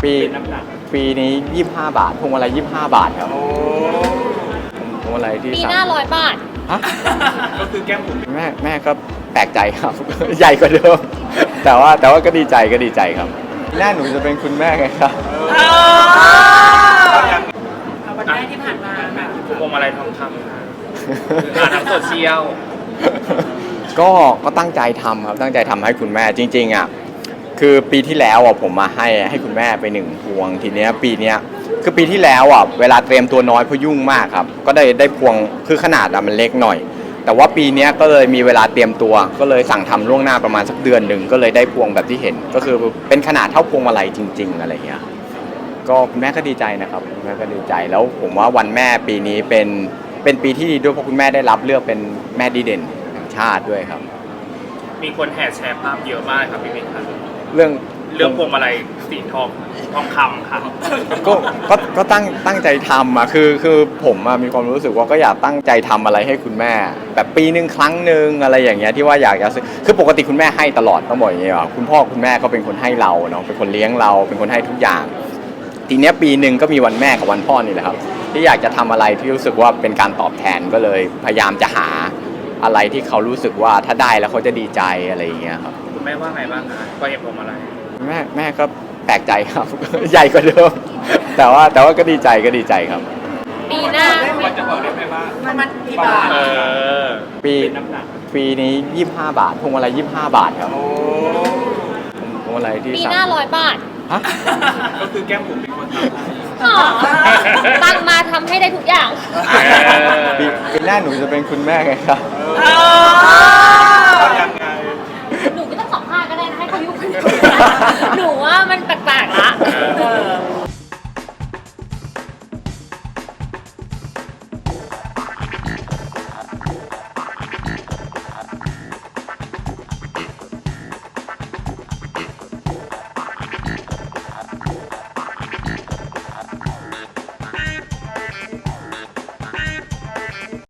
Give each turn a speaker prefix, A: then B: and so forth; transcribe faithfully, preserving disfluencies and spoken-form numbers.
A: ปีปีนี้ยี่สิบห้าบาทพวงมาลัยยี่สิบห้าบาทครับพวงมาลัยที่
B: ปี
A: สั่ง
B: หน้าร้อยบาท
A: ฮะ
C: ก็คือแก้มบุ๋ม
A: แม่แม่ก็แปลกใจครับ ใหญ่กว่าเดิมแต่ว่าแต่ว่าก็ดีใจก็ดีใจครับหน้าหนูจะเป็นคุณแม่ไงครับ
C: วันแรกที่ผ่านมาแบบพวงมาลัยทองคำนะอ่านทางโซเชียล
A: ก็ก็ตั้งใจทำครับตั้งใจทำให้คุณแม่จริงๆอ่ะคือปีที่แล้วอ่ะผมมาให้ให้คุณแม่ไปหนึ่งพวงทีเนี้ยปีเนี้ยคือปีที่แล้วอ่ะเวลาเตรียมตัวน้อยเพราะยุ่งมากครับก็ได้ได้พวงคือขนาดอะมันเล็กหน่อยแต่ว่าปีนี้ก็เลยมีเวลาเตรียมตัวก็เลยสั่งทำล่วงหน้าประมาณสักเดือนหนึ่งก็เลยได้พวงแบบที่เห็นก็คือเป็นขนาดเท่าพวงมาลัยจริงๆอะไรเงี้ยก็คุณแม่ก็ดีใจนะครับคุณแม่ก็ดีใจแล้วผมว่าวันแม่ปีนี้เป็นเป็นปีที่ดีด้วยเพราะคุณแม่ได้รับเลือกเป็นแม่ดีเด่นแห่งชาติด้วยครับ
C: มีคนแห่แชร์ภาพเยอะมากครับพี่เมย์ครับ
A: เรื่อง
C: เรื่องพวงมาลัยสีทองทองคำค่ะ
A: ก็ก็ก็ตั้งตั้งใจทำอ่ะคือคือผมมีความรู้สึกว่าก็อยากตั้งใจทำอะไรให้คุณแม่แบบปีหนึ่งครั้งหนึ่งอะไรอย่างเงี้ยที่ว่าอยากจะซื้อคือปกติคุณแม่ให้ตลอดต้องบอกอย่างเงี้ยว่าคุณพ่อคุณแม่ก็เป็นคนให้เราเนาะเป็นคนเลี้ยงเราเป็นคนให้ทุกอย่างทีเนี้ยปีหนึ่งก็มีวันแม่กับวันพ่อนี่แหละครับที่อยากจะทำอะไรที่รู้สึกว่าเป็นการตอบแทนก็เลยพยายามจะหาอะไรที่เขารู้สึกว่าถ้าได้แล้วเขาจะดีใจอะไรอย่างเงี้ยครับ
C: คุณแม่ว่าไงบ้างคะก็เห็นพวงมาลัย
A: แม่แม่ก็แปลกใจครับ ใหญ่กว่าเดิมแต่ว่าแต่ว่าก็ดีใจก็ดีใจครับ
B: ปีหน้า
C: จะบอกได้ไหมว่ามันกี่บาท
A: ปีปีนี้ยี่สิบห้าบาทพวงมาลัยยี่สิบห้าบาทครับพวงมาลัยที่
B: ปีหน้าร้อยบาท
A: ฮะ
C: ก็คือแก้มบุ๋มเป็นคนท
B: ำตั้งมาทำให้ได้ทุกอย่าง
A: ปีปีหน้าหนูจะเป็นคุณแม่ไงครับ